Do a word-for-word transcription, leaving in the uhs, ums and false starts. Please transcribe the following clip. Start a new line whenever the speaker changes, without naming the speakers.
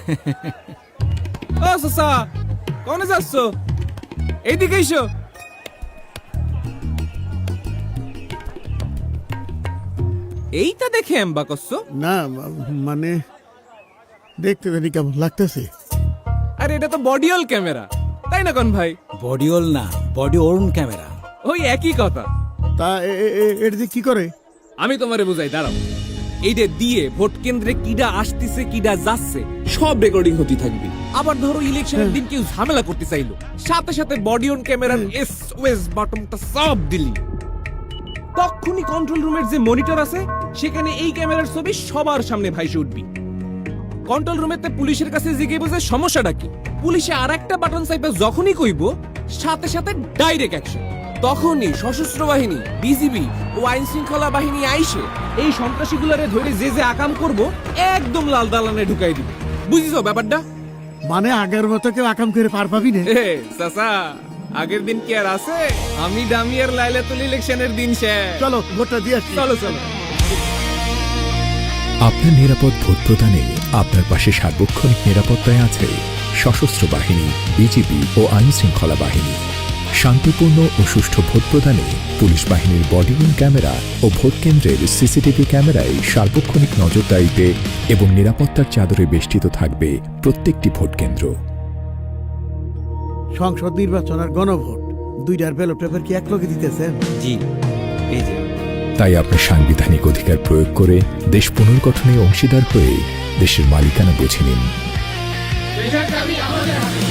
ও সসা কোনে যাচ্ছ? এইদিকে এসো। এইটা দেখে এম্বা করছো?
না মানে দেখতে জানি কেমন লাগতেছে।
আরে এটা তো বডিওল ক্যামেরা, তাই না কোন ভাই?
বডিওল না, বডি ওর্ন ক্যামেরা।
ওই একই কথা।
তা এটা দিয়ে কি করে?
আমি তোমারে বুঝাই, দাঁড়াও। এইটা দিয়ে ভোট কেন্দ্রে কিডা আসতেছে কিডা যাচ্ছে সব রেকর্ডিং হতে থাকবে। আবার ধরো ইলেকশনের দিন কেউ ঝামেলা করতে চাইলো, সাথে সাথে বডি অন ক্যামেরার এসওএস বাটনটা সব দিলি, তখনই কন্ট্রোল রুমের যে মনিটর আছে সেখানে এই ক্যামেরার ছবি সবার সামনে ভাইসে উঠবি। কন্ট্রোল রুমেতে পুলিশের কাছে জিজ্ঞেস বুঝে সমস্যাটা কি, পুলিশে আর একটা বাটন চাইবে যখনই কইব সাথে সাথে ডাইরেক্ট অ্যাকশন। তখনই সশস্ত্র বাহিনী, বিজিবি ও আইন শৃঙ্খলা বাহিনী আইসে এই সন্ত্রাসীগুলারে ধরে যে যে আকাম করব একদম লাল দালানে ঢুকাই দিবে। বুঝিছো ব্যাপারটা?
মানে আগের মতো কেউ আকাম করে পার পাবি না?
এ চাচা, আগের দিন কি আর আছে? আমি ডামিয়ার লাইলাতুল ইলেকশনের দিন শেষ।
চলো ভোটটা দিয়ে আসি।
চলো চলো।
আপনার নিরাপদ ভোট প্রদানে আপনার পাশে সার্বক্ষণিক নিরাপত্তায় আছে সশস্ত্র বাহিনী, বিজিবি ও আইন শৃঙ্খলা বাহিনী। শান্তিপূর্ণ ও সুষ্ঠু ভোট প্রদানে পুলিশ বাহিনীর বডিওন ক্যামেরা ও ভোট কেন্দ্রের সিসিটিভি ক্যামেরায় সার্বক্ষণিক নজরদারিতে এবং নিরাপত্তার চাদরে বেষ্টিত থাকবে প্রত্যেকটি ভোট কেন্দ্র।
সংসদ নির্বাচন আর গণভোট দুইটার ব্যালট পেপার কি এক লগে দিতেছেন?
জি, এই যে।
তাই আপনার সাংবিধানিক অধিকার প্রয়োগ করে দেশ পুনর্গঠনে অংশীদার হয়ে দেশের মালিকানা বুঝে নিন।